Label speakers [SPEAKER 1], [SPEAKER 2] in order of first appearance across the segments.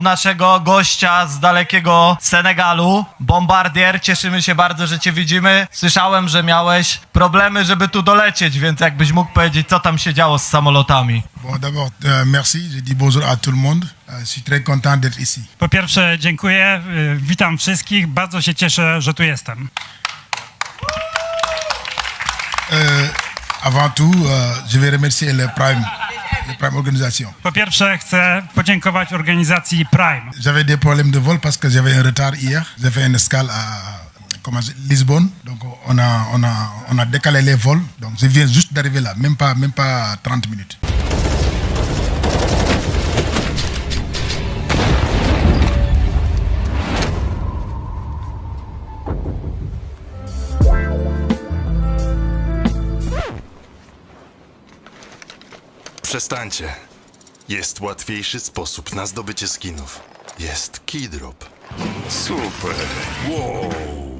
[SPEAKER 1] naszego gościa z dalekiego Senegalu, Bombardier. Cieszymy się bardzo, że cię widzimy. Słyszałem, że miałeś problemy, żeby tu dolecieć, więc jakbyś mógł powiedzieć, co tam się działo z samolotami.
[SPEAKER 2] Bon, d'abord, merci. Je dis bonjour à tout le monde. Je suis très content d'être ici.
[SPEAKER 3] Po pierwsze, dziękuję, witam wszystkich, bardzo się cieszę, że tu jestem.
[SPEAKER 2] Avant tout, je vais remercier le Prime Organisation.
[SPEAKER 3] Po pierwsze, chcę podziękować organizacji Prime.
[SPEAKER 2] J'avais des problèmes de vol parce que j'avais un retard hier. J'ai fait une escale à Lisbonne. Donc, on a décalé les vols. Donc, je viens juste d'arriver là, même pas 30 minutes.
[SPEAKER 4] Przestańcie. Jest łatwiejszy sposób na zdobycie skinów. Jest keydrop. Super. Wow.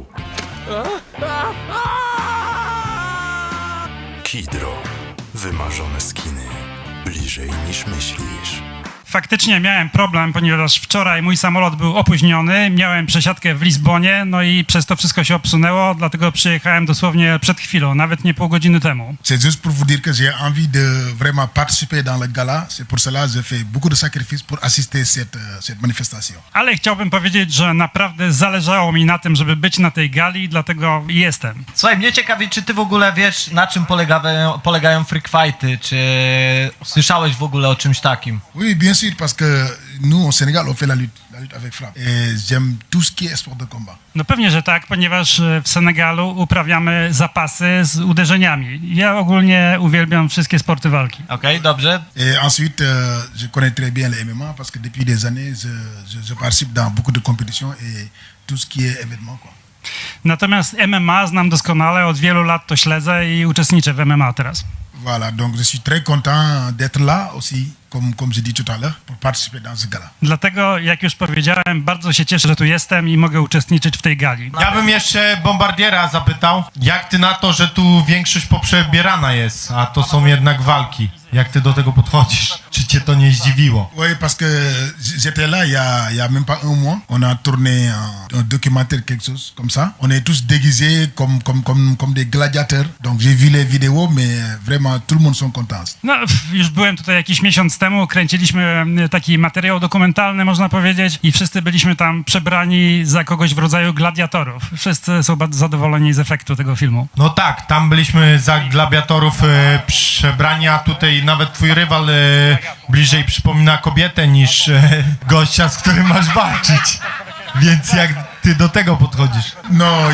[SPEAKER 4] Keydrop. Wymarzone skiny. Bliżej niż myślisz.
[SPEAKER 3] Faktycznie miałem problem, ponieważ wczoraj mój samolot był opóźniony, miałem przesiadkę w Lizbonie, no i przez to wszystko się obsunęło, dlatego przyjechałem dosłownie przed chwilą, nawet nie pół godziny temu.
[SPEAKER 2] C'est juste pour vous dire que j'ai envie de vraiment participer dans le gala. C'est pour cela que je fais beaucoup de sacrifices pour assister cette manifestation.
[SPEAKER 3] Ale chciałbym powiedzieć, że naprawdę zależało mi na tym, żeby być na tej gali, dlatego jestem.
[SPEAKER 1] Słuchaj, mnie ciekawi, czy ty w ogóle wiesz, na czym polegają freak fighty, czy słyszałeś w ogóle o czymś takim?
[SPEAKER 2] Oui, bien sûr, parce que nous, au Sénégal, on fait la lutte avec frappe. Et j'aime tout ce qui est sport de combat.
[SPEAKER 3] No pewnie, że tak, ponieważ w Senegalu uprawiamy zapasy z uderzeniami. Ja ogólnie uwielbiam wszystkie sporty walki.
[SPEAKER 1] Okej, dobrze.
[SPEAKER 2] Et ensuite, je connais très bien le MMA parce que depuis des années, je participe dans beaucoup de compétitions et tout ce qui est événement, quoi.
[SPEAKER 3] Natomiast MMA znam doskonale, od wielu lat to śledzę i uczestniczę w MMA teraz.
[SPEAKER 2] Voilà, donc je suis très content d'être là aussi, comme j'ai dit tout à l'heure, pour participer dans ce gala.
[SPEAKER 3] Dlatego, jak już powiedziałem, bardzo się cieszę, że tu jestem i mogę uczestniczyć w tej gali.
[SPEAKER 5] Ja bym jeszcze Bombardiera zapytał, jak ty na to, że tu większość poprzebierana jest, a to są jednak walki. Jak ty do tego podchodzisz? Czy cię to nie zdziwiło?
[SPEAKER 2] Oui, parce que j'étais là il y a même pas un mois. On a tourné un documentaire, quelque chose comme ça. On est tous déguisés comme des gladiateurs. Donc j'ai vu les vidéos, mais vraiment tout le monde sont contents.
[SPEAKER 3] No, już byłem tutaj jakiś miesiąc temu, kręciliśmy taki materiał dokumentalny, można powiedzieć, i wszyscy byliśmy tam przebrani za kogoś w rodzaju gladiatorów. Wszyscy są bardzo zadowoleni z efektu tego filmu.
[SPEAKER 5] No tak, tam byliśmy za gladiatorów przebrani, a tutaj nawet twój rywal bliżej przypomina kobietę niż gościa, z którym masz walczyć. Więc jak ty do tego podchodzisz?
[SPEAKER 2] Non,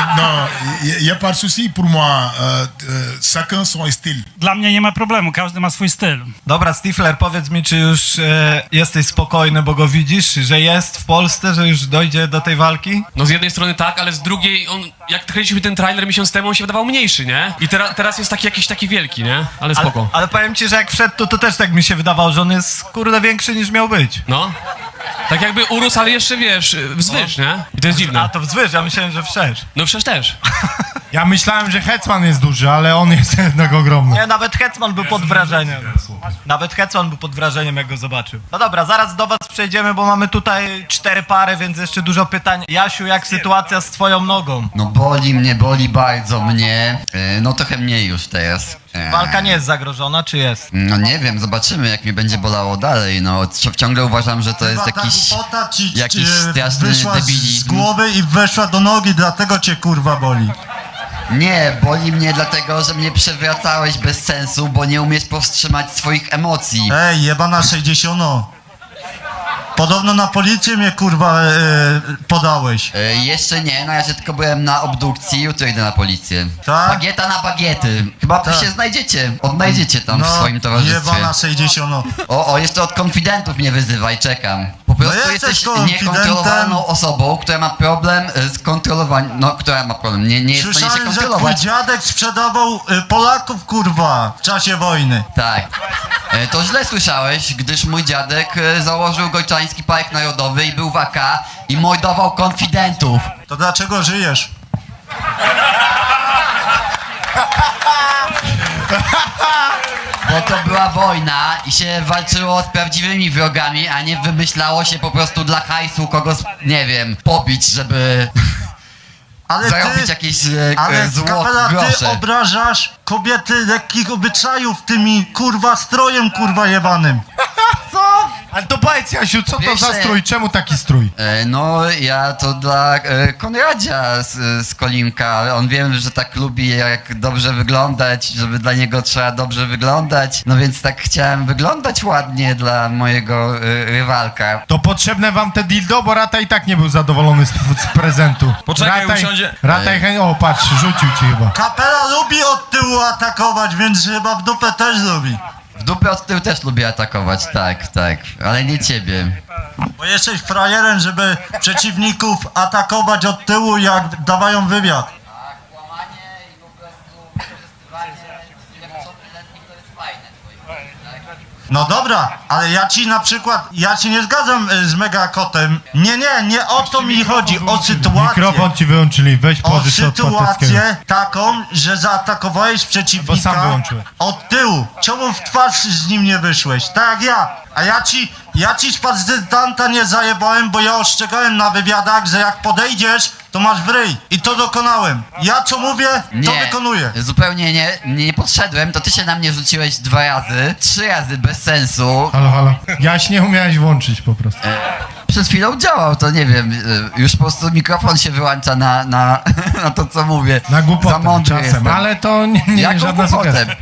[SPEAKER 2] y a pas de souci pour moi. Chacun son style.
[SPEAKER 3] Dla mnie nie ma problemu, każdy ma swój styl.
[SPEAKER 1] Dobra, Stifler, powiedz mi, czy już jesteś spokojny, bo go widzisz, że jest w Polsce, że już dojdzie do tej walki?
[SPEAKER 6] No z jednej strony tak, ale z drugiej on, jak kręciliśmy ten trailer miesiąc temu, on się wydawał mniejszy, nie? I teraz jest jakiś taki wielki, nie? Ale spoko.
[SPEAKER 1] Ale powiem ci, że jak wszedł, to też tak mi się wydawało, że on jest, kurde, większy niż miał być.
[SPEAKER 6] No. Tak jakby urósł, ale jeszcze, wiesz, wzwyż, nie? I to jest
[SPEAKER 1] A
[SPEAKER 6] dziwne.
[SPEAKER 1] to wzwyż, ja myślałem, że wszerz.
[SPEAKER 6] No przecież też.
[SPEAKER 5] Ja myślałem, że Hetman jest duży, ale on jest jednak ogromny.
[SPEAKER 1] Nie, nawet Hetman był pod wrażeniem. Nawet Hetman był pod wrażeniem, jak go zobaczył. No dobra, zaraz do was przejdziemy, bo mamy tutaj 4 pary, więc jeszcze dużo pytań. Jasiu, jak sytuacja z twoją nogą?
[SPEAKER 7] No boli bardzo mnie. No trochę mniej już teraz.
[SPEAKER 1] Walka nie jest zagrożona, czy jest?
[SPEAKER 7] No nie wiem, zobaczymy jak mnie będzie bolało dalej. No ciągle uważam, że to jest jakiś straszny
[SPEAKER 8] wyszła z
[SPEAKER 7] debilizm.
[SPEAKER 8] głowy i weszła do nogi, dlatego cię kurwa boli.
[SPEAKER 7] Nie, boli mnie dlatego, że mnie przewracałeś bez sensu, bo nie umiesz powstrzymać swoich emocji.
[SPEAKER 8] Ej, jebana 60. Podobno na policję mnie kurwa podałeś.
[SPEAKER 7] Jeszcze nie, na razie tylko byłem na obdukcji, jutro idę na policję.
[SPEAKER 8] Tak?
[SPEAKER 7] Bagieta na bagiety. Chyba
[SPEAKER 8] Tak.
[SPEAKER 7] się odnajdziecie tam w swoim towarzystwie.
[SPEAKER 8] Jebana 60.
[SPEAKER 7] O, jeszcze od konfidentów mnie wyzywaj, czekam. Po prostu
[SPEAKER 8] jesteś
[SPEAKER 7] jesteś
[SPEAKER 8] konfidentem.
[SPEAKER 7] niekontrolowaną osobą, która ma problem z kontrolowaniem, no, która ma problem, nie jest w stanie się
[SPEAKER 8] Słyszałem, że twój
[SPEAKER 7] kontrolować.
[SPEAKER 8] dziadek sprzedawał Polaków kurwa w czasie wojny.
[SPEAKER 7] Tak. To źle słyszałeś, gdyż mój dziadek założył Gojczański Park Narodowy i był w AK i mordował konfidentów.
[SPEAKER 8] To dlaczego żyjesz?
[SPEAKER 7] Bo to była wojna i się walczyło z prawdziwymi wrogami, a nie wymyślało się po prostu dla hajsu kogoś, nie wiem, pobić, żeby
[SPEAKER 8] Ale
[SPEAKER 7] zarobić
[SPEAKER 8] ty,
[SPEAKER 7] jakieś
[SPEAKER 8] ale kapela, ty
[SPEAKER 7] grosze.
[SPEAKER 8] obrażasz kobiety lekkich obyczajów tymi, kurwa, strojem, kurwa, jebanym.
[SPEAKER 5] Ale to powiedz, Jasiu, co to
[SPEAKER 7] Wiesz,
[SPEAKER 5] za strój? Czemu taki strój?
[SPEAKER 7] No, ja to dla Konradzia z Kolimka. On wiem, że tak lubi jak dobrze wyglądać, żeby dla niego trzeba dobrze wyglądać. No więc tak chciałem wyglądać ładnie dla mojego rywalka.
[SPEAKER 5] To potrzebne wam te dildo, bo Rata i tak nie był zadowolony z prezentu.
[SPEAKER 9] Poczekaj,
[SPEAKER 5] Rataj,
[SPEAKER 9] usiądzie.
[SPEAKER 5] Rataj, o patrz, rzucił ci chyba.
[SPEAKER 8] Kapela lubi od tyłu atakować, więc chyba w dupę też lubi.
[SPEAKER 7] W dupę od tyłu też lubię atakować, tak, ale nie ciebie.
[SPEAKER 8] Bo jesteś frajerem, żeby przeciwników atakować od tyłu, jak dawają wywiad.
[SPEAKER 7] Kłamanie i po prostu wykorzystywanie niepełnoletnich to jest fajne.
[SPEAKER 8] No dobra, ale ja ci nie zgadzam z Megakotem. Nie o to mi chodzi, o sytuację.
[SPEAKER 5] Mikrofon ci wyłączyli, weź
[SPEAKER 8] O
[SPEAKER 5] pożycz od Pateckiego.
[SPEAKER 8] sytuację taką, że zaatakowałeś
[SPEAKER 5] Bo sam
[SPEAKER 8] przeciwnika
[SPEAKER 5] wyłączyłem.
[SPEAKER 8] od tyłu. Czemu w twarz z nim nie wyszłeś? Tak jak ja. A ja ci z prezydenta nie zajebałem, bo ja ostrzegałem na wywiadach, że jak podejdziesz, to masz w ryj. I to dokonałem. Ja co mówię, to wykonuję.
[SPEAKER 7] Zupełnie nie podszedłem, to ty się na mnie rzuciłeś 2 razy, 3 razy bez sensu.
[SPEAKER 5] Halo. Jaś nie umiałeś włączyć po prostu.
[SPEAKER 7] Przed chwilą działał, to nie wiem, już po prostu mikrofon się wyłącza na na to, co mówię.
[SPEAKER 5] Na
[SPEAKER 7] Za
[SPEAKER 5] głupotę
[SPEAKER 7] mądry
[SPEAKER 5] czasem,
[SPEAKER 7] jestem.
[SPEAKER 5] ale to nie jest
[SPEAKER 7] Jaką
[SPEAKER 5] żadna
[SPEAKER 7] głupotę?
[SPEAKER 5] sugestia.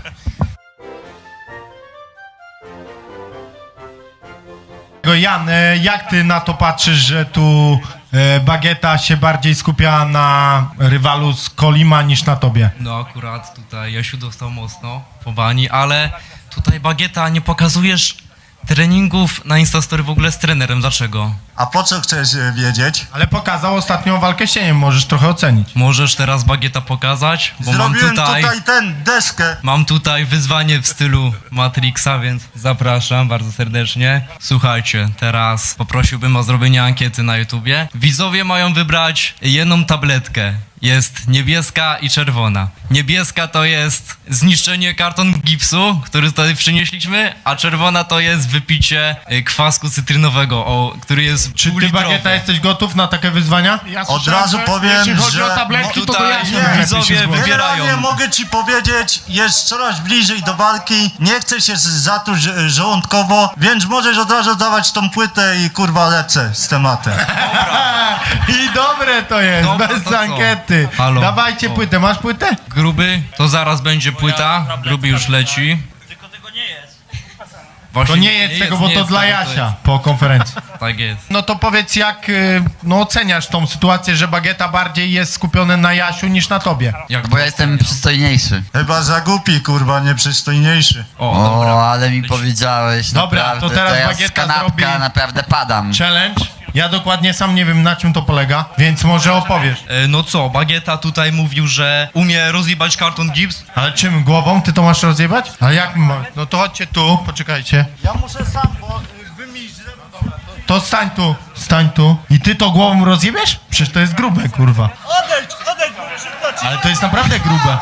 [SPEAKER 5] Jan, jak ty na to patrzysz, że tu Bagieta się bardziej skupia na rywalu z Kolima niż na tobie?
[SPEAKER 9] No akurat tutaj Jasiu dostał mocno po bani, ale tutaj Bagieta nie pokazujesz treningów na Instastory w ogóle z trenerem. Dlaczego?
[SPEAKER 8] A po co chcesz wiedzieć?
[SPEAKER 5] Ale pokazał ostatnią walkę z cieniem, możesz trochę ocenić.
[SPEAKER 9] Możesz teraz Bagieta pokazać, bo
[SPEAKER 8] Zrobiłem tutaj deskę.
[SPEAKER 9] mam tutaj wyzwanie w stylu Matrixa, więc zapraszam bardzo serdecznie. Słuchajcie, teraz poprosiłbym o zrobienie ankiety na YouTubie. Widzowie mają wybrać jedną tabletkę. Jest niebieska i czerwona. Niebieska to jest zniszczenie karton gipsu, który tutaj przynieśliśmy, a czerwona to jest wypicie kwasku cytrynowego, który jest
[SPEAKER 5] Czy ty,
[SPEAKER 9] półlitrowy.
[SPEAKER 5] Bagieta, jesteś gotów na takie wyzwania?
[SPEAKER 8] Od razu powiem, że
[SPEAKER 9] Tutaj widzowie wybierają.
[SPEAKER 8] generalnie mogę ci powiedzieć, jest coraz bliżej do walki, nie chcę się zatruć żołądkowo, więc możesz od razu dawać tą płytę i kurwa lecę z tematem.
[SPEAKER 5] I dobre to jest,
[SPEAKER 9] Dobra,
[SPEAKER 5] bez
[SPEAKER 9] to co?
[SPEAKER 5] ankiety.
[SPEAKER 9] Halo.
[SPEAKER 5] Dawajcie płytę, masz płytę?
[SPEAKER 9] Gruby, to zaraz będzie płyta. Gruby już leci. Właśnie
[SPEAKER 5] To nie jest tego, bo to
[SPEAKER 9] jest
[SPEAKER 5] dla
[SPEAKER 9] tego,
[SPEAKER 5] Jasia po konferencji.
[SPEAKER 9] Tak jest.
[SPEAKER 5] No to powiedz, jak oceniasz tą sytuację, że Bagieta bardziej jest skupiony na Jasiu niż na tobie?
[SPEAKER 9] Jak
[SPEAKER 7] Bo ja jestem przystojniejszy.
[SPEAKER 8] Chyba za głupi, kurwa, nieprzystojniejszy.
[SPEAKER 7] O, ale mi powiedziałeś,
[SPEAKER 5] Dobra,
[SPEAKER 7] naprawdę,
[SPEAKER 5] to teraz
[SPEAKER 7] ja
[SPEAKER 5] Bagieta
[SPEAKER 7] z kanapka
[SPEAKER 5] zrobi-
[SPEAKER 7] naprawdę padam.
[SPEAKER 5] Challenge? Ja dokładnie sam nie wiem, na czym to polega, więc może opowiesz.
[SPEAKER 9] No co, Bagieta tutaj mówił, że umie rozjebać karton gips.
[SPEAKER 5] Ale czym? Głową? Ty to masz rozjebać? Ale jak my mamy? No to chodźcie tu, poczekajcie.
[SPEAKER 8] Ja muszę sam, bo wy mi źle...
[SPEAKER 5] To stań tu. I ty to głową rozjebiesz? Przecież to jest grube, kurwa.
[SPEAKER 8] Odejdź, bo muszę wdać.
[SPEAKER 5] Ale to jest naprawdę grube.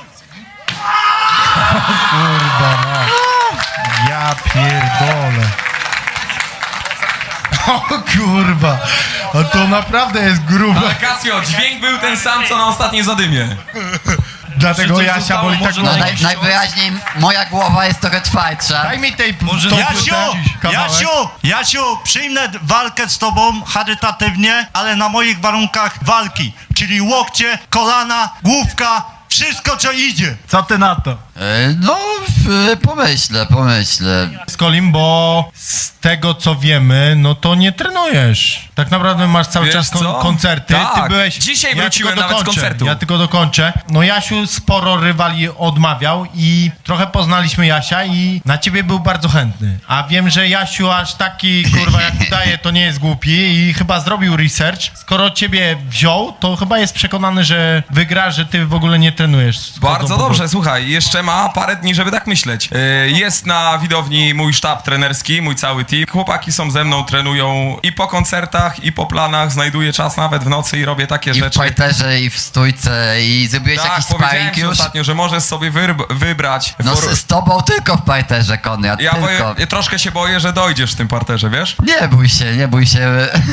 [SPEAKER 5] Kurwa, no. Ja pierdolę. O kurwa. A to naprawdę jest grube.
[SPEAKER 10] Casio, dźwięk był ten sam, co na ostatniej zadymie.
[SPEAKER 5] Dlatego
[SPEAKER 9] Czy coś
[SPEAKER 5] Jasia
[SPEAKER 9] zostało
[SPEAKER 5] boli tak
[SPEAKER 9] może
[SPEAKER 5] głowa.
[SPEAKER 9] na-
[SPEAKER 7] Najwyraźniej moja głowa jest trochę twardsza.
[SPEAKER 5] Daj mi tej
[SPEAKER 9] Może
[SPEAKER 5] tą
[SPEAKER 9] Jasiu,
[SPEAKER 5] płytę, kawałek.
[SPEAKER 8] Jasiu, przyjmę walkę z tobą charytatywnie, ale na moich warunkach walki, czyli łokcie, kolana, główka, wszystko co idzie.
[SPEAKER 1] Co ty na to?
[SPEAKER 7] No, pomyślę.
[SPEAKER 5] Z Kolim, bo z tego co wiemy, no to nie trenujesz. Tak naprawdę masz cały
[SPEAKER 10] Wiesz
[SPEAKER 5] czas
[SPEAKER 10] co?
[SPEAKER 5] koncerty. Ty
[SPEAKER 10] Tak.
[SPEAKER 5] byłeś.
[SPEAKER 10] Dzisiaj
[SPEAKER 5] ja
[SPEAKER 10] wróciłem
[SPEAKER 5] tylko
[SPEAKER 10] nawet z
[SPEAKER 5] dokończę,
[SPEAKER 10] koncertu.
[SPEAKER 5] Ja tylko dokończę. No Jasiu sporo rywali odmawiał i trochę poznaliśmy Jasia i na ciebie był bardzo chętny. A wiem, że Jasiu aż taki, kurwa, jak udaje, to nie jest głupi i chyba zrobił research. Skoro ciebie wziął, to chyba jest przekonany, że wygra, że ty w ogóle nie trenujesz.
[SPEAKER 10] Bardzo dobrze, słuchaj, jeszcze ma parę dni, żeby tak myśleć. Jest na widowni mój sztab trenerski, mój cały team. Chłopaki są ze mną, trenują i po koncertach, i po planach. Znajduję czas nawet w nocy i robię takie
[SPEAKER 7] I w
[SPEAKER 10] rzeczy.
[SPEAKER 7] parterze, i w stójce, i zrobiłeś
[SPEAKER 10] Tak,
[SPEAKER 7] jakiś
[SPEAKER 10] powiedziałem
[SPEAKER 7] sparring
[SPEAKER 10] ci
[SPEAKER 7] już?
[SPEAKER 10] ostatnio, że możesz sobie wybrać...
[SPEAKER 7] No z tobą tylko w parterze, Konrad,
[SPEAKER 10] Ja
[SPEAKER 7] tylko.
[SPEAKER 10] troszkę się boję, że dojdziesz w tym parterze, wiesz?
[SPEAKER 7] Nie bój się, nie bój się.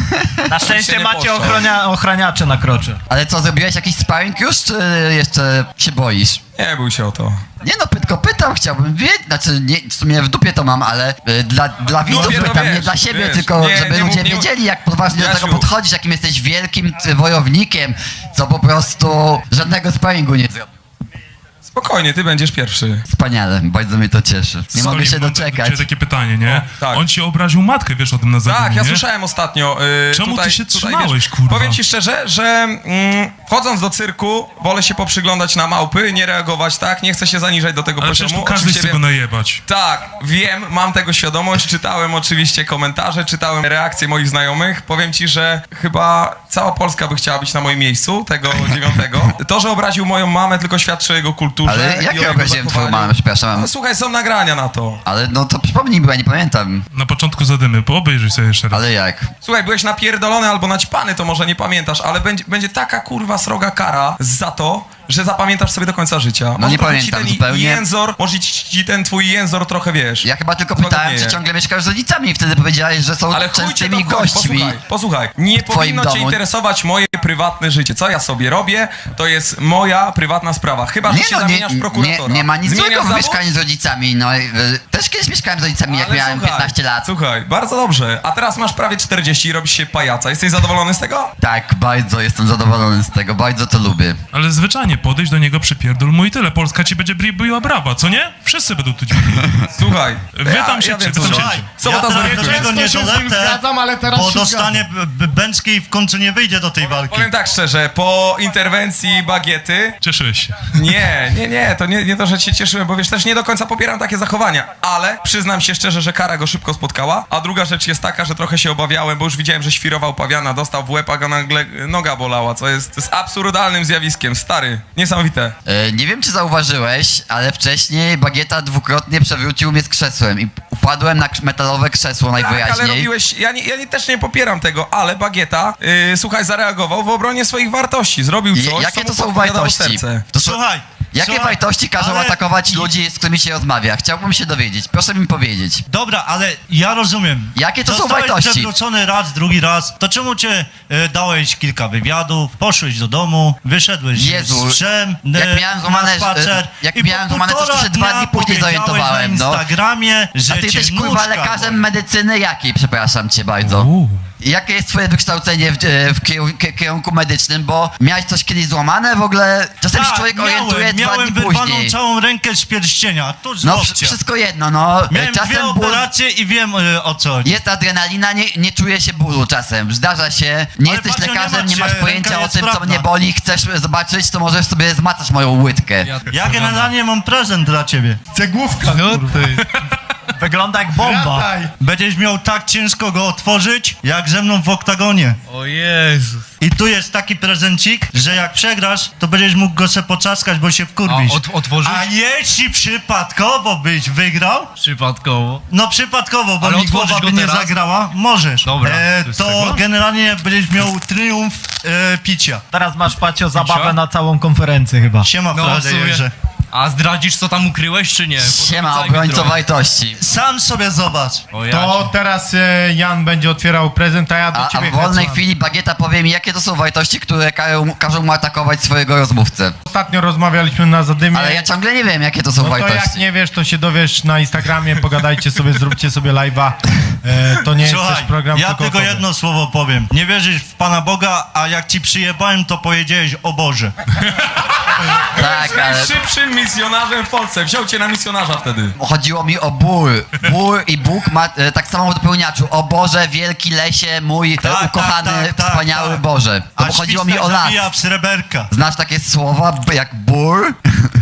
[SPEAKER 1] Na szczęście
[SPEAKER 10] się nie
[SPEAKER 1] macie
[SPEAKER 10] poszło.
[SPEAKER 1] ochraniacze na krocze.
[SPEAKER 7] Ale co, zrobiłeś jakiś sparring już, czy jeszcze się boisz?
[SPEAKER 10] Nie bój się o to.
[SPEAKER 7] Nie no, tylko pytam, chciałbym wiedzieć, znaczy nie, w sumie w dupie to mam, ale dla widzów
[SPEAKER 10] no
[SPEAKER 7] pytam,
[SPEAKER 10] wiesz,
[SPEAKER 7] nie dla siebie,
[SPEAKER 10] wiesz.
[SPEAKER 7] tylko
[SPEAKER 10] Nie,
[SPEAKER 7] żeby
[SPEAKER 10] nie
[SPEAKER 7] ludzie
[SPEAKER 10] mów- nie-
[SPEAKER 7] wiedzieli, jak poważnie do tego
[SPEAKER 10] Jasiu.
[SPEAKER 7] podchodzisz, jakim jesteś wielkim wojownikiem, co po prostu żadnego sparingu nie zrobi.
[SPEAKER 10] Spokojnie, ty będziesz pierwszy.
[SPEAKER 7] Wspaniale, bardzo mnie to cieszy. Nie mogę się doczekać.
[SPEAKER 11] Takie pytanie, nie?
[SPEAKER 10] tak.
[SPEAKER 11] On ci obraził matkę, wiesz o tym na zadymiu,
[SPEAKER 10] Tak, ja
[SPEAKER 11] nie?
[SPEAKER 10] słyszałem ostatnio.
[SPEAKER 11] Czemu ty się trzymałeś,
[SPEAKER 10] wiesz,
[SPEAKER 11] kurwa?
[SPEAKER 10] Powiem ci szczerze, że wchodząc do cyrku, wolę się poprzyglądać na małpy, nie reagować tak, nie chcę się zaniżać do tego
[SPEAKER 11] Ale przecież
[SPEAKER 10] poziomu.
[SPEAKER 11] tu każdy
[SPEAKER 10] Oczywiście
[SPEAKER 11] chce go
[SPEAKER 10] wiem-
[SPEAKER 11] najebać.
[SPEAKER 10] Tak, wiem, mam tego świadomość, czytałem oczywiście komentarze, czytałem reakcje moich znajomych. Powiem ci, że chyba cała Polska by chciała być na moim miejscu, tego 9. To, że obraził moją mamę, tylko świadczy o jego kulturze.
[SPEAKER 7] Ale
[SPEAKER 10] i o
[SPEAKER 7] jakie
[SPEAKER 10] jego
[SPEAKER 7] obraziłem twoją
[SPEAKER 10] zachowaniu.
[SPEAKER 7] mamę, przepraszam?
[SPEAKER 10] No, słuchaj, są nagrania na to.
[SPEAKER 7] Ale no to przypomnij, bo ja nie pamiętam.
[SPEAKER 11] Na początku zadymy, obejrzyj sobie jeszcze raz.
[SPEAKER 7] Ale jak?
[SPEAKER 10] Słuchaj, byłeś napierdolony albo naćpany, to może nie pamiętasz, ale będzie taka kurwa sroga kara za to, że zapamiętasz sobie do końca życia.
[SPEAKER 7] No nie
[SPEAKER 10] trochę
[SPEAKER 7] pamiętam
[SPEAKER 10] ci ten
[SPEAKER 7] zupełnie.
[SPEAKER 10] Jęzor, może ci ten twój jęzor trochę, wiesz.
[SPEAKER 7] Ja chyba tylko pytałem, czy
[SPEAKER 10] złagodnieje.
[SPEAKER 7] ciągle mieszkasz z rodzicami i wtedy powiedziałeś, że są
[SPEAKER 10] Ale chuj cię
[SPEAKER 7] częstymi
[SPEAKER 10] to chodzi.
[SPEAKER 7] gośćmi.
[SPEAKER 10] Posłuchaj, nie
[SPEAKER 7] w twoim
[SPEAKER 10] powinno cię
[SPEAKER 7] domu.
[SPEAKER 10] interesować moje prywatne życie. Co ja sobie robię, to jest moja prywatna sprawa. Chyba, że się zamieniasz w prokuratora.
[SPEAKER 7] nie ma nic
[SPEAKER 10] Zmieniasz
[SPEAKER 7] złego w
[SPEAKER 10] zawód?
[SPEAKER 7] mieszkaniu z rodzicami. No, też kiedyś mieszkałem z rodzicami, jak
[SPEAKER 10] Ale
[SPEAKER 7] miałem
[SPEAKER 10] słuchaj,
[SPEAKER 7] 15 lat.
[SPEAKER 10] Słuchaj, bardzo dobrze. A teraz masz prawie 40 i robisz się pajaca. Jesteś zadowolony z tego?
[SPEAKER 7] Tak, bardzo jestem zadowolony z tego, bardzo to lubię.
[SPEAKER 11] Ale zwyczajnie podejść do niego, przypierdol mu i tyle. Polska ci będzie biła brawa, co nie? Wszyscy będą tu dźwigli.
[SPEAKER 10] Słuchaj.
[SPEAKER 11] Wy tam siedźcie,
[SPEAKER 10] wiem,
[SPEAKER 11] wy tam
[SPEAKER 10] co
[SPEAKER 11] siedźcie.
[SPEAKER 10] Sobota
[SPEAKER 8] ja
[SPEAKER 10] zweryfikuje.
[SPEAKER 8] teraz do tego nie dolecę, bo dostanie bęczki i w końcu nie wyjdzie do tej walki.
[SPEAKER 10] Powiem tak szczerze, po interwencji Bagiety...
[SPEAKER 11] Cieszyłeś się.
[SPEAKER 10] Nie, to nie to, że się cieszyłem, bo wiesz, też nie do końca popieram takie zachowania, ale przyznam się szczerze, że kara go szybko spotkała, a druga rzecz jest taka, że trochę się obawiałem, bo już widziałem, że świrował pawiana, dostał w łeb, a go nagle noga bolała, co jest absurdalnym zjawiskiem, stary, niesamowite.
[SPEAKER 7] Nie wiem, czy zauważyłeś, ale wcześniej Bagieta dwukrotnie przewrócił mnie z krzesłem i upadłem na metalowe krzesło
[SPEAKER 10] Tak, ale
[SPEAKER 7] najwyraźniej.
[SPEAKER 10] robiłeś, ja też nie popieram tego, ale Bagieta, słuchaj, zareagował w obronie swoich wartości, zrobił coś,
[SPEAKER 7] Jakie
[SPEAKER 10] co
[SPEAKER 7] to
[SPEAKER 10] mu
[SPEAKER 7] są
[SPEAKER 10] podpowiadało
[SPEAKER 7] wartości?
[SPEAKER 10] serce.
[SPEAKER 7] To są,
[SPEAKER 8] Słuchaj,
[SPEAKER 7] jakie
[SPEAKER 8] słuchaj,
[SPEAKER 7] wartości każą
[SPEAKER 8] ale-
[SPEAKER 7] atakować ludzi, z którymi się rozmawia? Chciałbym się dowiedzieć. Proszę mi powiedzieć.
[SPEAKER 8] Dobra, ale ja rozumiem.
[SPEAKER 7] Jakie to są
[SPEAKER 8] Zostałeś
[SPEAKER 7] wartości?
[SPEAKER 8] przewrócony raz, drugi raz. To czemu cię dałeś kilka wywiadów, poszłeś do domu, wyszedłeś
[SPEAKER 7] Jezu,
[SPEAKER 8] z psem
[SPEAKER 7] jak miałem złamane-
[SPEAKER 8] na spacer
[SPEAKER 7] jak
[SPEAKER 8] i
[SPEAKER 7] miałem
[SPEAKER 8] po
[SPEAKER 7] złamane, to
[SPEAKER 8] półtora
[SPEAKER 7] się 2 dni
[SPEAKER 8] dnia
[SPEAKER 7] później
[SPEAKER 8] powiedziałeś
[SPEAKER 7] zorientowałem,
[SPEAKER 8] na
[SPEAKER 7] no.
[SPEAKER 8] Instagramie, że
[SPEAKER 7] A ty
[SPEAKER 8] cię
[SPEAKER 7] jesteś kurwa
[SPEAKER 8] nóżka
[SPEAKER 7] lekarzem
[SPEAKER 8] boli.
[SPEAKER 7] medycyny jakiej, przepraszam cię bardzo. Jakie jest twoje wykształcenie w kierunku medycznym, bo miałeś coś kiedyś złamane w ogóle? Czasem się człowiek orientuje 2
[SPEAKER 8] miałem
[SPEAKER 7] dni
[SPEAKER 8] wyrwaną
[SPEAKER 7] później.
[SPEAKER 8] całą rękę z pierścienia, tuż
[SPEAKER 7] No
[SPEAKER 8] łokcia.
[SPEAKER 7] wszystko jedno, no.
[SPEAKER 8] Miałem dwie
[SPEAKER 7] Czasem ból,
[SPEAKER 8] operacje i wiem o co chodzi.
[SPEAKER 7] jest adrenalina, nie czuje się bólu czasem. Zdarza się, nie
[SPEAKER 8] Ale
[SPEAKER 7] jesteś
[SPEAKER 8] patrz, nie
[SPEAKER 7] lekarzem,
[SPEAKER 8] ma
[SPEAKER 7] nie
[SPEAKER 8] cię,
[SPEAKER 7] masz pojęcia
[SPEAKER 8] ręka
[SPEAKER 7] o
[SPEAKER 8] jest
[SPEAKER 7] tym, co
[SPEAKER 8] sprawna.
[SPEAKER 7] mnie boli, chcesz zobaczyć, to możesz sobie zmacasz moją łydkę.
[SPEAKER 8] Ja generalnie mam prezent dla ciebie.
[SPEAKER 5] Cegłówka, no ty.
[SPEAKER 1] Wygląda jak bomba.
[SPEAKER 5] Rataj.
[SPEAKER 8] Będziesz miał tak ciężko go otworzyć, jak ze mną w oktagonie.
[SPEAKER 9] O Jezus.
[SPEAKER 8] I tu jest taki prezencik, że jak przegrasz, to będziesz mógł go se poczaskać, bo się wkurwisz.
[SPEAKER 9] Otworzyć?
[SPEAKER 8] A jeśli przypadkowo byś wygrał,
[SPEAKER 9] Przypadkowo.
[SPEAKER 8] no przypadkowo, bo
[SPEAKER 9] Ale
[SPEAKER 8] mi
[SPEAKER 9] otworzyć
[SPEAKER 8] głowa
[SPEAKER 9] go
[SPEAKER 8] by nie
[SPEAKER 9] teraz?
[SPEAKER 8] zagrała, możesz.
[SPEAKER 9] Dobra, to jest
[SPEAKER 8] To
[SPEAKER 9] tego?
[SPEAKER 8] generalnie będziesz miał triumf picia.
[SPEAKER 1] Teraz masz, Pacio, zabawę
[SPEAKER 9] Picia?
[SPEAKER 1] na całą konferencję chyba.
[SPEAKER 8] Siema,
[SPEAKER 9] No, w sumie.
[SPEAKER 8] frajerze.
[SPEAKER 9] A zdradzisz, co tam ukryłeś, czy nie?
[SPEAKER 7] Siema,
[SPEAKER 9] Podrzucaj mi
[SPEAKER 7] obrońco
[SPEAKER 9] trochę.
[SPEAKER 7] wartości.
[SPEAKER 8] Sam sobie zobacz.
[SPEAKER 9] O, ja
[SPEAKER 5] To teraz Jan będzie otwierał prezent, a ja do
[SPEAKER 7] A
[SPEAKER 5] ciebie
[SPEAKER 7] w wolnej
[SPEAKER 5] Hetman.
[SPEAKER 7] chwili Bagieta powie mi, jakie to są wartości, które każą mu atakować swojego rozmówcę.
[SPEAKER 5] Ostatnio rozmawialiśmy na Zadymie.
[SPEAKER 7] Ale ja ciągle nie wiem, jakie to są
[SPEAKER 5] No to jak
[SPEAKER 7] wartości.
[SPEAKER 5] nie wiesz, to się dowiesz na Instagramie, pogadajcie sobie, zróbcie sobie live'a. To nie jest
[SPEAKER 8] Słuchaj,
[SPEAKER 5] też program
[SPEAKER 8] ja tylko
[SPEAKER 5] kokotowy.
[SPEAKER 8] jedno słowo powiem. Nie wierzysz w Pana Boga, a jak ci przyjebałem, to powiedziałeś o Boże.
[SPEAKER 7] Tak, ale
[SPEAKER 10] Najszybszym misjonarzem w Polsce, wziął cię na misjonarza wtedy.
[SPEAKER 7] chodziło mi o ból. Ból i Bóg ma tak samo w dopełniaczu. O Boże, wielki lesie, mój
[SPEAKER 8] Tak,
[SPEAKER 7] ukochany,
[SPEAKER 8] tak,
[SPEAKER 7] wspaniały
[SPEAKER 8] tak.
[SPEAKER 7] Boże. To
[SPEAKER 8] A
[SPEAKER 7] chodziło mi
[SPEAKER 8] świstek
[SPEAKER 7] o las.
[SPEAKER 8] zabija w sreberka.
[SPEAKER 7] Znasz takie słowa jak ból?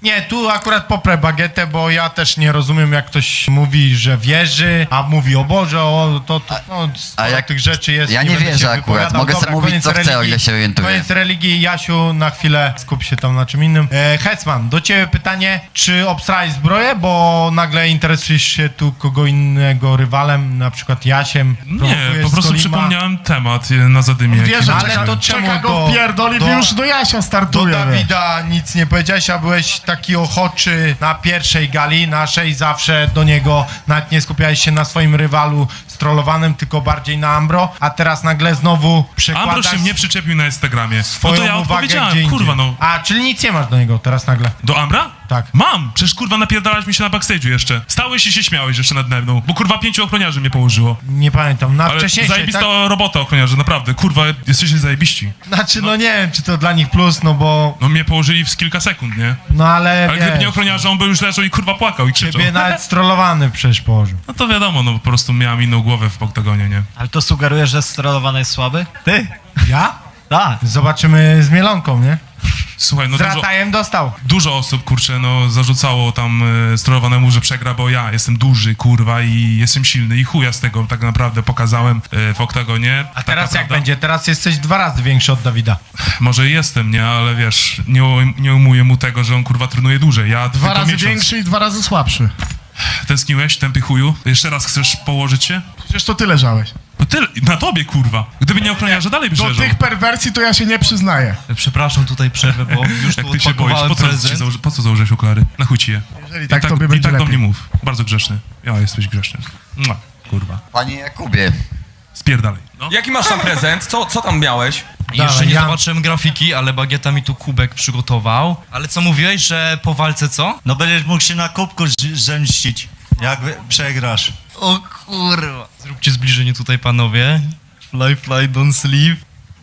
[SPEAKER 5] Nie, tu akurat poprę bagietę, bo ja też nie rozumiem, jak ktoś mówi, że wierzy, a mówi o Boże, o to no,
[SPEAKER 7] A jak
[SPEAKER 5] tych rzeczy jest.
[SPEAKER 7] ja nie
[SPEAKER 5] będę
[SPEAKER 7] wierzę
[SPEAKER 5] się
[SPEAKER 7] akurat,
[SPEAKER 5] wypowiadał.
[SPEAKER 7] mogę sobie mówić,
[SPEAKER 5] koniec
[SPEAKER 7] co chcę, o ile się orientuję.
[SPEAKER 5] Koniec religii, Jasiu, na chwilę skup się tam na czym innym. Hetman, do ciebie pytanie, czy obstrałeś zbroję, bo nagle interesujesz się tu kogo innego rywalem, na przykład Jasiem?
[SPEAKER 11] Nie,
[SPEAKER 5] prowokujesz
[SPEAKER 11] po prostu
[SPEAKER 5] Skolima?
[SPEAKER 11] przypomniałem temat na zadymie. jaki
[SPEAKER 2] Wiesz,
[SPEAKER 11] był.
[SPEAKER 5] ale to czemu do
[SPEAKER 2] już do Jasia
[SPEAKER 5] do
[SPEAKER 2] startuje.
[SPEAKER 5] Dawida nic nie powiedziałeś, a byłeś taki ochoczy na pierwszej gali naszej, zawsze do niego, nawet nie skupiałeś się na swoim rywalu strollowanym, tylko bardziej na Ambro, a teraz nagle znowu
[SPEAKER 11] Ambro
[SPEAKER 5] przekładasz
[SPEAKER 11] się mnie przyczepił na Instagramie. No
[SPEAKER 5] swoją
[SPEAKER 11] to ja
[SPEAKER 5] uwagę gdzie
[SPEAKER 11] odpowiedziałem,
[SPEAKER 5] indziej.
[SPEAKER 11] kurwa no.
[SPEAKER 5] A, czyli nic nie masz do niego teraz nagle?
[SPEAKER 11] Do Ambra?
[SPEAKER 5] Tak.
[SPEAKER 11] Mam! Przecież kurwa napierdalałeś mi się na backstage'u jeszcze. Stałeś i się śmiałeś jeszcze nade mną, bo kurwa 5 ochroniarzy mnie położyło.
[SPEAKER 5] Nie pamiętam, na
[SPEAKER 11] Ale
[SPEAKER 5] wcześniejszej,
[SPEAKER 11] zajebista
[SPEAKER 5] tak?
[SPEAKER 11] robota ochroniarzy, naprawdę. Kurwa, jesteście zajebiści.
[SPEAKER 5] Znaczy, no nie wiem, czy to dla nich plus, no bo...
[SPEAKER 11] No mnie położyli w kilka sekund, nie?
[SPEAKER 5] No ale
[SPEAKER 11] Ale gdyby nie
[SPEAKER 5] wiesz,
[SPEAKER 11] ochroniarze, on by już leżał i kurwa płakał i krzyczał.
[SPEAKER 5] ciebie nawet strollowany przecież położył.
[SPEAKER 11] No to wiadomo, no po prostu miałem inną głowę w oktagonie, nie?
[SPEAKER 1] Ale to sugerujesz, że strollowany jest słaby? Ty?
[SPEAKER 5] Ja?
[SPEAKER 1] Tak.
[SPEAKER 5] Zobaczymy z Mielonką, nie?
[SPEAKER 11] Słuchaj, no
[SPEAKER 5] Z Ratajem dostał.
[SPEAKER 11] dużo osób, kurczę, no zarzucało tam sterowanemu, że przegra, bo ja jestem duży, kurwa, i jestem silny i chuja z tego tak naprawdę pokazałem w oktagonie.
[SPEAKER 5] A teraz jak będzie? Teraz jesteś 2 razy większy od Dawida.
[SPEAKER 11] Może jestem, nie, ale wiesz, nie umuję mu tego, że on kurwa trenuje dłużej. Ja
[SPEAKER 2] 2
[SPEAKER 11] tylko
[SPEAKER 2] razy
[SPEAKER 11] miesiąc.
[SPEAKER 2] większy i 2 razy słabszy.
[SPEAKER 11] Tęskniłeś, tępy chuju? Jeszcze raz chcesz położyć się?
[SPEAKER 2] Przecież to ty leżałeś.
[SPEAKER 11] No tyle, na tobie, kurwa. Gdyby nie ochroniarze, dalej byś
[SPEAKER 2] Do
[SPEAKER 11] leżał.
[SPEAKER 2] tych perwersji to ja się nie przyznaję.
[SPEAKER 9] Przepraszam, tutaj przerwę, bo już
[SPEAKER 11] Jak
[SPEAKER 9] tu
[SPEAKER 11] ty się boisz,
[SPEAKER 9] odpakowałem prezent.
[SPEAKER 11] po co założyłeś okulary? Na chuj ci je.
[SPEAKER 2] Jeżeli tak, tobie będzie
[SPEAKER 11] I tak do
[SPEAKER 2] lepiej.
[SPEAKER 11] mnie mów. Bardzo grzeszny. Ja jesteś grzeszny. Mua, kurwa.
[SPEAKER 7] Panie Jakubie,
[SPEAKER 11] Spierdalej. No.
[SPEAKER 10] Jaki masz tam prezent? Co tam miałeś?
[SPEAKER 9] Jeszcze nie
[SPEAKER 5] ja-
[SPEAKER 9] zobaczyłem grafiki, ale Bagieta mi tu kubek przygotował. Ale co mówiłeś, że po walce co?
[SPEAKER 12] No będziesz mógł się na kubku zemścić, jak przegrasz.
[SPEAKER 9] O kurwa. Zróbcie zbliżenie tutaj, panowie. Fly, fly, don't sleep.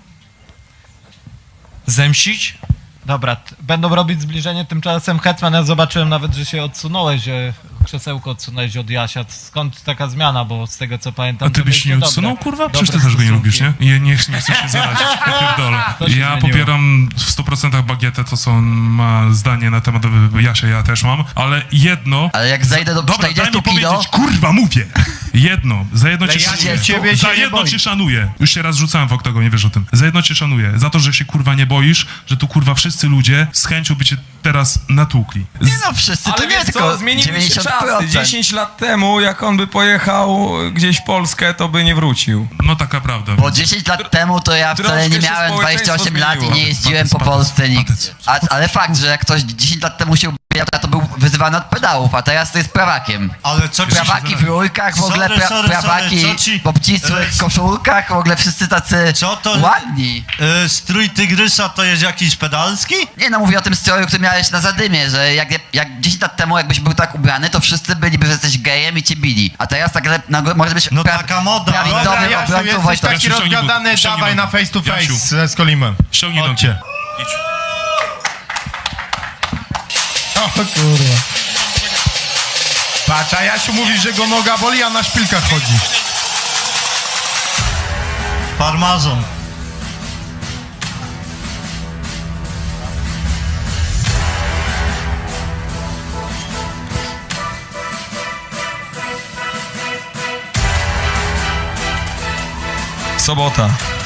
[SPEAKER 9] Zemścić?
[SPEAKER 1] Dobra, będą robić zbliżenie, tymczasem Hetman, ja zobaczyłem nawet, że się odsunąłeś, że krzesełko odsunąłeś od Jasia. Skąd taka zmiana, bo z tego co pamiętam...
[SPEAKER 11] A ty
[SPEAKER 1] to
[SPEAKER 11] byś nie
[SPEAKER 1] mieliście
[SPEAKER 11] odsunął,
[SPEAKER 1] dobre-
[SPEAKER 11] kurwa? Przecież ty
[SPEAKER 1] dobre
[SPEAKER 11] też go nie
[SPEAKER 1] stosunki.
[SPEAKER 11] lubisz, nie? I nie chcesz się zarazić, pierdolę.
[SPEAKER 1] To się
[SPEAKER 11] Ja
[SPEAKER 1] zmieniło.
[SPEAKER 11] popieram w 100% Bagietę, to co on ma zdanie na temat Jasia, ja też mam, ale jedno...
[SPEAKER 7] ale jak zejdę do
[SPEAKER 11] Dobra, daj
[SPEAKER 7] 40
[SPEAKER 11] mi
[SPEAKER 7] kilo...
[SPEAKER 11] powiedzieć, kurwa, mówię! Jedno, za jedno cię
[SPEAKER 5] Ale ja
[SPEAKER 11] szanuję.
[SPEAKER 5] ciebie się
[SPEAKER 11] Za
[SPEAKER 5] nie
[SPEAKER 11] jedno
[SPEAKER 5] boję.
[SPEAKER 11] cię szanuję. Już się raz rzucałem w oktagonie, wiesz o tym. Za jedno cię szanuję. Za to, że się kurwa nie boisz, że tu kurwa wszyscy ludzie z chęcią by cię teraz natłukli.
[SPEAKER 7] Nie no, wszyscy to
[SPEAKER 10] Ale
[SPEAKER 7] nie,
[SPEAKER 10] wiesz
[SPEAKER 7] tylko
[SPEAKER 10] co, zmieniły się
[SPEAKER 7] 90%.
[SPEAKER 10] czasy. 10 lat temu, jak on by pojechał gdzieś w Polskę, to by nie wrócił.
[SPEAKER 11] No taka prawda.
[SPEAKER 7] Bo 10 lat temu to ja wcale
[SPEAKER 10] Troszkę
[SPEAKER 7] nie
[SPEAKER 10] się
[SPEAKER 7] miałem
[SPEAKER 10] społeczeństwo
[SPEAKER 7] 28 lat i
[SPEAKER 10] zmieniło.
[SPEAKER 7] nie jeździłem po
[SPEAKER 11] Patec,
[SPEAKER 7] Polsce nigdzie.
[SPEAKER 11] patec.
[SPEAKER 7] Ale fakt, że jak ktoś 10 lat temu się ubijał, to był wyzywany od pedałów, a teraz to jest prawakiem.
[SPEAKER 12] Ale co
[SPEAKER 7] Prawaki w rurkach, w ogóle
[SPEAKER 12] Sorry,
[SPEAKER 7] prawaki
[SPEAKER 12] co ci-
[SPEAKER 7] w obcisłych koszulkach, w ogóle wszyscy tacy
[SPEAKER 12] Co to-
[SPEAKER 7] ładni.
[SPEAKER 12] Strój tygrysa to jest jakiś pedalski?
[SPEAKER 7] Nie no, mówię o tym stroju, który miałeś na zadymie, że jak 10 lat temu jakbyś był tak ubrany, to wszyscy byliby, że jesteś gejem i cię bili. A teraz tak może być
[SPEAKER 12] No taka moda.
[SPEAKER 7] prawicowy
[SPEAKER 5] Dobra, Jasiu,
[SPEAKER 7] obrońcą
[SPEAKER 5] jesteś
[SPEAKER 7] Wojtka.
[SPEAKER 5] taki
[SPEAKER 11] Jasiu, ściągnij
[SPEAKER 5] rozgadany,
[SPEAKER 11] but, ściągnij
[SPEAKER 5] dawaj na
[SPEAKER 11] but.
[SPEAKER 5] face to face
[SPEAKER 11] Jasiu.
[SPEAKER 5] ze Skolimem.
[SPEAKER 11] Ściągnij
[SPEAKER 5] Chodźcie.
[SPEAKER 11] nogi. Idź.
[SPEAKER 5] O kurwa. Patrz, a Jasiu mówi, że go noga boli, a na szpilkach chodzi.
[SPEAKER 12] Farmazon.
[SPEAKER 10] Sobota.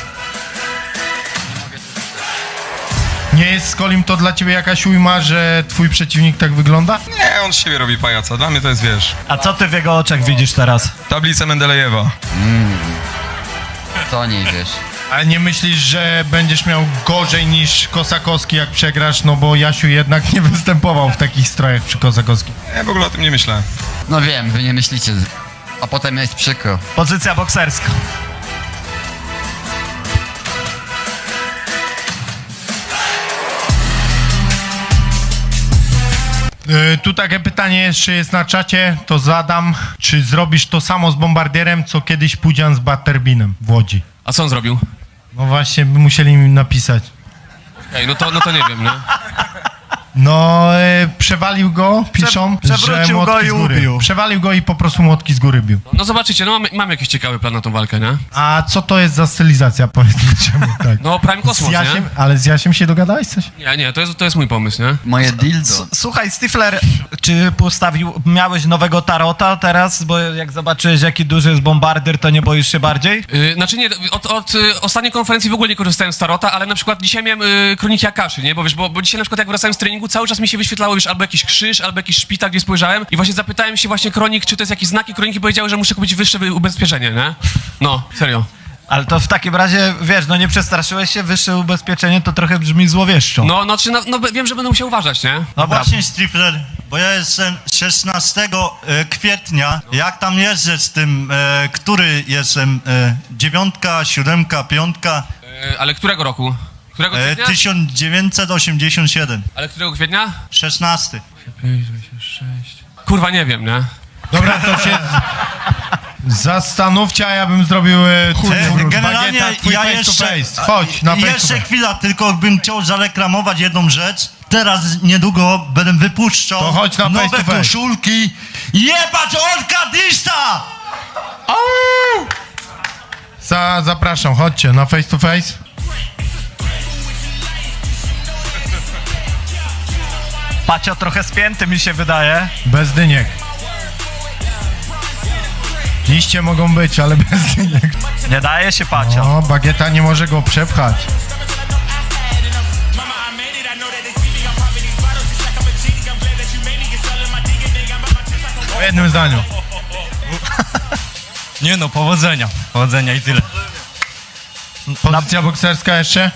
[SPEAKER 5] Nie jest Skolim to dla ciebie jakaś ujma, że twój przeciwnik tak wygląda?
[SPEAKER 10] Nie, on z siebie robi pajaca. Dla mnie to jest, wiesz,
[SPEAKER 1] A co ty w jego oczach widzisz teraz?
[SPEAKER 10] tablica Mendelejewa.
[SPEAKER 7] To nie wiesz.
[SPEAKER 5] Ale nie myślisz, że będziesz miał gorzej niż Kosakowski, jak przegrasz, no bo Jasiu jednak nie występował w takich strojach przy Kosakowskim.
[SPEAKER 10] Ja w ogóle o tym nie myślę.
[SPEAKER 7] No wiem, wy nie myślicie, a potem jest przykro.
[SPEAKER 1] Pozycja bokserska.
[SPEAKER 5] Tu takie pytanie jeszcze jest na czacie, to zadam. Czy zrobisz to samo z Bombardierem, co kiedyś Pudzian z Butterbinem w Łodzi?
[SPEAKER 6] A co on zrobił?
[SPEAKER 5] No właśnie, by musieli mi napisać.
[SPEAKER 6] Ej, no to nie wiem, nie?
[SPEAKER 5] No, przewalił go, piszą,
[SPEAKER 1] przewrócił
[SPEAKER 5] że
[SPEAKER 1] go
[SPEAKER 5] młotki
[SPEAKER 1] i
[SPEAKER 5] z góry.
[SPEAKER 1] ubił.
[SPEAKER 5] Przewalił go i po prostu młotki z góry bił.
[SPEAKER 6] No zobaczycie, no mamy jakiś ciekawy plan na tą walkę, nie?
[SPEAKER 5] A co to jest za stylizacja, powiedzmy czemu tak?
[SPEAKER 6] No Prime Cosmos,
[SPEAKER 5] Z Jasiem,
[SPEAKER 6] nie?
[SPEAKER 5] ale z Jasiem się dogadałeś coś?
[SPEAKER 6] Nie, to jest mój pomysł, nie?
[SPEAKER 7] Moje dildo.
[SPEAKER 1] Słuchaj, Stifler, czy miałeś nowego tarota teraz? Bo jak zobaczyłeś, jaki duży jest bombardier, to nie boisz się bardziej?
[SPEAKER 6] Znaczy nie, od ostatniej konferencji w ogóle nie korzystałem z tarota, ale na przykład dzisiaj miałem kroniki Akaszy, nie? Bo wiesz, bo dzisiaj na przykład jak wracałem z treningu, cały czas mi się wyświetlało, wiesz, albo jakiś krzyż, albo jakiś szpital, gdzie spojrzałem i właśnie zapytałem się właśnie kronik, czy to jest jakieś znaki, kroniki powiedziały, że muszę kupić wyższe ubezpieczenie, nie? No, serio.
[SPEAKER 1] Ale to w takim razie, wiesz, no nie przestraszyłeś się, wyższe ubezpieczenie to trochę brzmi złowieszczo.
[SPEAKER 6] No wiem, że będę musiał uważać, nie?
[SPEAKER 8] No
[SPEAKER 1] Dobra.
[SPEAKER 8] właśnie, Stifler, bo ja jestem 16 kwietnia. Jak tam jeżdżę z tym, który jestem? 9, 7, 5?
[SPEAKER 6] Ale którego roku? Którego kwietnia?
[SPEAKER 8] 1987.
[SPEAKER 6] Ale którego kwietnia?
[SPEAKER 8] 16.
[SPEAKER 6] Kurwa, nie wiem, nie?
[SPEAKER 5] Dobra, to się zastanówcie, a ja bym zrobił
[SPEAKER 8] Generalnie
[SPEAKER 5] bagieta, twój
[SPEAKER 8] ja
[SPEAKER 5] face
[SPEAKER 8] jeszcze,
[SPEAKER 5] to face. Chodź, na face to
[SPEAKER 8] jeszcze
[SPEAKER 5] face.
[SPEAKER 8] chwila, tylko bym chciał zareklamować jedną rzecz. Teraz niedługo będę wypuszczał
[SPEAKER 5] To chodź na face
[SPEAKER 8] nowe
[SPEAKER 5] to face.
[SPEAKER 8] koszulki. Jebać Orkadista!
[SPEAKER 5] Zapraszam, chodźcie na face to face.
[SPEAKER 1] Pacio trochę spięty mi się wydaje.
[SPEAKER 5] Bez dyniek. Liście mogą być, ale bez dyniek.
[SPEAKER 1] Nie daje się, Pacio.
[SPEAKER 5] O, bagieta nie może go przepchać. W jednym zdaniu.
[SPEAKER 9] Nie no, powodzenia. Powodzenia i tyle.
[SPEAKER 5] Pozycja bokserska jeszcze?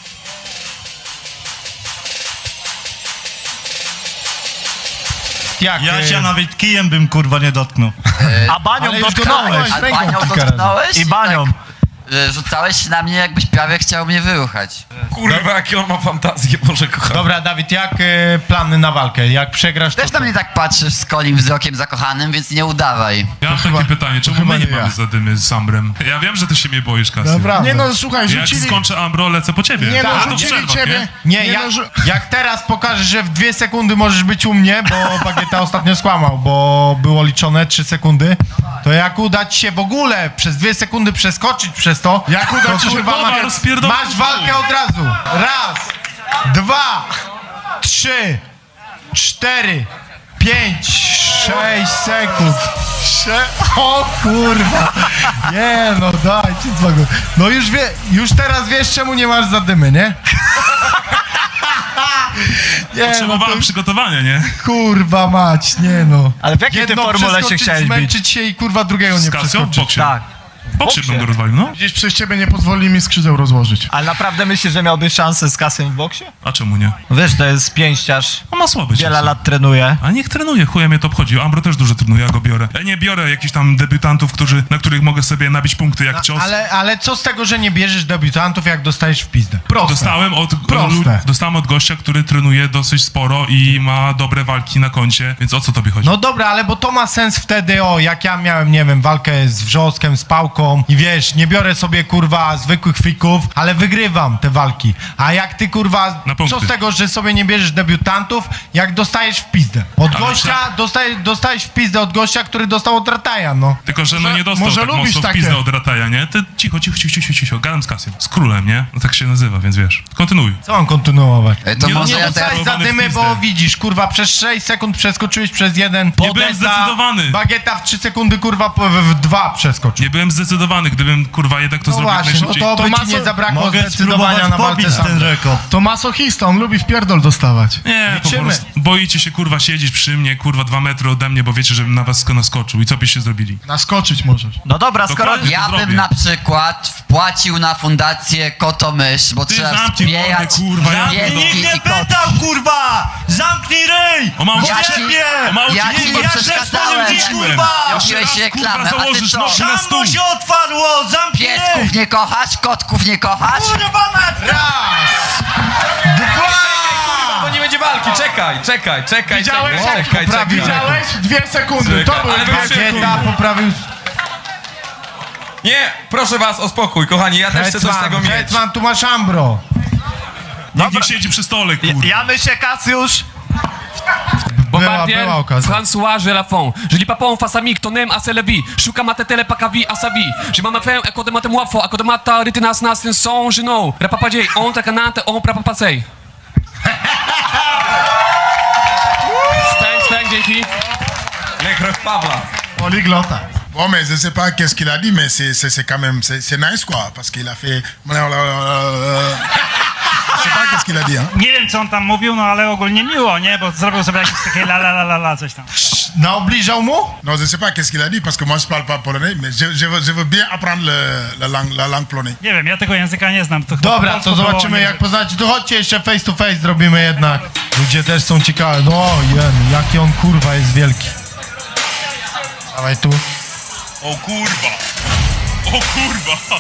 [SPEAKER 5] Jak?
[SPEAKER 8] Ja się nawet kijem bym kurwa nie dotknął.
[SPEAKER 1] A banią
[SPEAKER 5] ale już
[SPEAKER 1] dotknąłeś.
[SPEAKER 5] dotknąłeś.
[SPEAKER 7] A
[SPEAKER 5] ręką
[SPEAKER 7] panią
[SPEAKER 5] kilka
[SPEAKER 7] dotknąłeś?
[SPEAKER 1] I banią.
[SPEAKER 7] Rzucałeś się na mnie, jakbyś prawie chciał mnie wyruchać.
[SPEAKER 10] Kurwa, jakie on ma fantazję, Boże kochany.
[SPEAKER 5] Dobra, Dawid, jak plany na walkę? Jak przegrasz, to...
[SPEAKER 7] Też na mnie tak patrzysz z kolim wzrokiem zakochanym, więc nie udawaj.
[SPEAKER 11] Ja mam takie pytanie, czemu my nie mamy zadymy z Ambrem? Ja wiem, że ty się mnie boisz, Kasy.
[SPEAKER 5] Dobra.
[SPEAKER 13] Nie no, słuchaj,
[SPEAKER 11] Jak
[SPEAKER 13] rzucili...
[SPEAKER 11] skończę Ambro, lecę po ciebie.
[SPEAKER 13] Nie no,
[SPEAKER 11] Ale to w
[SPEAKER 13] rzucili
[SPEAKER 11] przerwach,
[SPEAKER 13] ciebie.
[SPEAKER 5] Nie,
[SPEAKER 13] no,
[SPEAKER 5] jak teraz pokażesz, że w 2 sekundy możesz być u mnie, bo Bagieta ostatnio skłamał, bo było liczone 3 sekundy, to jak uda ci się w ogóle przez 2 sekundy przeskoczyć przez to,
[SPEAKER 13] Jak uda ci się
[SPEAKER 11] Dobra, rozpierdol-
[SPEAKER 5] masz walkę od razu. 1, 2, 3, 4, 5, 6 sekund. O kurwa. Nie no, dajcie spokój. No już teraz wiesz, czemu nie masz zadymy, nie? Nie, no
[SPEAKER 11] Potrzebowałem
[SPEAKER 5] to
[SPEAKER 11] przygotowania, nie?
[SPEAKER 5] kurwa mać, nie no.
[SPEAKER 1] Ale w jakiej ty
[SPEAKER 5] Jedno
[SPEAKER 1] formule się
[SPEAKER 5] przeskoczyć,
[SPEAKER 1] chciałeś bić?
[SPEAKER 5] zmęczyć się i kurwa drugiego nie
[SPEAKER 11] Z Kasją w
[SPEAKER 5] przeskoczyć.
[SPEAKER 11] boksie.
[SPEAKER 1] Tak.
[SPEAKER 11] W boksie bym go rozwalił, no.
[SPEAKER 13] Gdzieś przez ciebie nie pozwoli mi skrzydeł rozłożyć.
[SPEAKER 1] Ale naprawdę myślisz, że miałbyś szansę z Kasem w boksie?
[SPEAKER 11] A czemu nie?
[SPEAKER 1] No wiesz, to jest pięściarz.
[SPEAKER 11] On ma słabe
[SPEAKER 1] Wiele
[SPEAKER 11] ciosy.
[SPEAKER 1] lat trenuje.
[SPEAKER 11] A niech trenuje, chuja mnie to obchodzi. Ambro też dużo trenuje, ja go biorę. Ja nie biorę jakichś tam debiutantów, na których mogę sobie nabić punkty jak cios.
[SPEAKER 5] Ale co z tego, że nie bierzesz debiutantów, jak dostajesz w pizdę? Proste.
[SPEAKER 11] Dostałem od gościa, który trenuje dosyć sporo i ma dobre walki na koncie, więc o co tobie chodzi?
[SPEAKER 5] No dobra, ale bo to ma sens wtedy, jak ja miałem, nie wiem, walkę z Wrzoskiem, z Pałką i wiesz, nie biorę sobie, kurwa, zwykłych fików, ale wygrywam te walki. A jak ty, kurwa,
[SPEAKER 11] Na punkty.
[SPEAKER 5] co z tego, że sobie nie bierzesz debiutantów, jak dostajesz w pizdę? Od
[SPEAKER 11] Ale
[SPEAKER 5] gościa, dostajesz w pizdę od gościa, który dostał od Rataja, no.
[SPEAKER 11] Tylko, że no nie dostał
[SPEAKER 13] może
[SPEAKER 11] tak
[SPEAKER 13] lubisz
[SPEAKER 11] mocno w
[SPEAKER 13] takie?
[SPEAKER 11] pizdę od Rataja, nie? Ty cicho, gadam z Kasiem. Z królem, nie? No tak się nazywa, więc wiesz. Kontynuuj.
[SPEAKER 5] Co mam kontynuować?
[SPEAKER 7] To
[SPEAKER 11] Nie,
[SPEAKER 7] może
[SPEAKER 11] nie
[SPEAKER 7] ja
[SPEAKER 5] Dostałeś
[SPEAKER 7] teraz...
[SPEAKER 11] Zarowany w
[SPEAKER 5] zadymy,
[SPEAKER 11] pizdę.
[SPEAKER 5] bo widzisz, kurwa, przez 6 sekund przeskoczyłeś przez jeden.
[SPEAKER 11] Nie byłem zdecydowany.
[SPEAKER 5] Bagieta w 3 sekundy, kurwa, w 2 przeskoczył.
[SPEAKER 11] Nie byłem zdecydowany, gdybym, kurwa, jednak to
[SPEAKER 5] No
[SPEAKER 11] zrobił jak
[SPEAKER 5] właśnie, no
[SPEAKER 11] najszybciej.
[SPEAKER 5] to by ci
[SPEAKER 13] Tomaso-
[SPEAKER 5] nie zabrakło
[SPEAKER 8] Mogę
[SPEAKER 5] zdecydowania
[SPEAKER 8] spróbować
[SPEAKER 5] na walce
[SPEAKER 8] pobić
[SPEAKER 5] sam.
[SPEAKER 8] ten rekord.
[SPEAKER 13] To masochista, on lubi w pierdol dostawać.
[SPEAKER 11] Nie, po
[SPEAKER 5] Liczymy.
[SPEAKER 11] prostu boicie się, kurwa, siedzieć przy mnie, kurwa, 2 metry ode mnie, bo wiecie, żebym na was naskoczył. I co byście zrobili?
[SPEAKER 13] Naskoczyć możesz.
[SPEAKER 1] No dobra, skoro...
[SPEAKER 11] Dokładnie.
[SPEAKER 7] Ja
[SPEAKER 11] to
[SPEAKER 7] bym
[SPEAKER 11] zrobię.
[SPEAKER 7] na przykład wpłacił na fundację Kotomysz, bo
[SPEAKER 11] Ty
[SPEAKER 7] trzeba
[SPEAKER 11] zamknij
[SPEAKER 7] wspierać
[SPEAKER 11] mordę, kurwa, ja
[SPEAKER 7] pieski
[SPEAKER 11] pierdolę.
[SPEAKER 8] Nikt nie
[SPEAKER 7] i koty.
[SPEAKER 8] pytał, kurwa! Zamknij ryj!
[SPEAKER 11] O mało
[SPEAKER 7] Ja
[SPEAKER 11] cię-
[SPEAKER 7] ci-
[SPEAKER 11] o mało
[SPEAKER 7] ja
[SPEAKER 11] cię-
[SPEAKER 7] ci nie
[SPEAKER 8] ja
[SPEAKER 7] przeszkadzałem.
[SPEAKER 8] też powiem ci, kurwa!
[SPEAKER 7] Robiłeś
[SPEAKER 11] raz,
[SPEAKER 7] reklamę,
[SPEAKER 11] kurwa,
[SPEAKER 7] a ty
[SPEAKER 11] założysz
[SPEAKER 7] co?
[SPEAKER 11] nogi na stół.
[SPEAKER 8] Szambo się otwarło! Zamknij ryj!
[SPEAKER 7] Piesków nie kochasz, kotków nie kochasz?
[SPEAKER 8] Kurwa mać!
[SPEAKER 5] Raz! Dwa!
[SPEAKER 10] Bo nie będzie walki, czekaj.
[SPEAKER 13] Widziałeś?
[SPEAKER 10] Czekaj.
[SPEAKER 13] Widziałeś? 2 sekundy, to były
[SPEAKER 10] Ale
[SPEAKER 13] 2
[SPEAKER 10] wy-
[SPEAKER 13] sekundy.
[SPEAKER 5] Bagieta poprawił...
[SPEAKER 10] Nie, proszę was o spokój, kochani, ja też chcę coś z tego mieć.
[SPEAKER 5] Hetman, tu masz Ambro.
[SPEAKER 11] Nikt nie siedzi przy stole, kurwa.
[SPEAKER 1] Ja myślę, Kasiusz,
[SPEAKER 6] Bombardier,
[SPEAKER 5] była okazja.
[SPEAKER 6] François Gelafon. Je lis pas en face à mi, ton aime à c'est la vie. Shuka matetele pakavi asabi. Je m'en fais à côté de matem wafo, à côté de mata ritinas nas in son geno. Rapapadjay, on ta canante, on prapapasej. Thanks, dzięki.
[SPEAKER 10] Lekroch Pawła.
[SPEAKER 13] Poliglota.
[SPEAKER 2] Bon, mais je sais pas qu'est-ce qu'il a dit, mais c'est quand même, c'est nice, quoi, parce qu'il a fait... Je sais pas qu'est-ce qu'il a dit, hein.
[SPEAKER 3] Nie wiem, co on tam mówił, no ale ogólnie miło, nie? Bo zrobił sobie jakieś takie la, coś tam.
[SPEAKER 5] Naobliżał mu?
[SPEAKER 2] Non, je sais pas qu'est-ce qu'il a dit, parce que moi, je parle pas polonais, mais je veux bien apprendre la langue polonais.
[SPEAKER 3] Nie wiem, ja tego języka nie znam. To chyba
[SPEAKER 5] Dobra,
[SPEAKER 3] po
[SPEAKER 5] to
[SPEAKER 3] polsku
[SPEAKER 5] zobaczymy
[SPEAKER 3] było, nie
[SPEAKER 5] jak poznacie. To chodźcie jeszcze face to face zrobimy jednak. Ludzie też są ciekawi. No jaki on kurwa jest wielki. Dawaj tu.
[SPEAKER 11] O kurwa! O kurwa!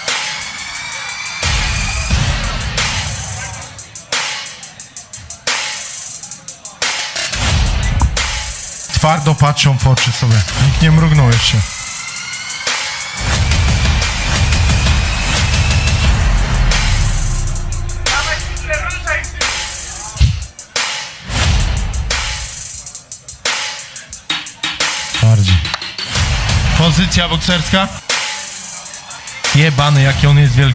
[SPEAKER 5] Twardo patrzą w oczy sobie. Nikt nie mrugnął jeszcze. Bardziej. Pozycja bokserska. Jebany, jaki on jest wielki.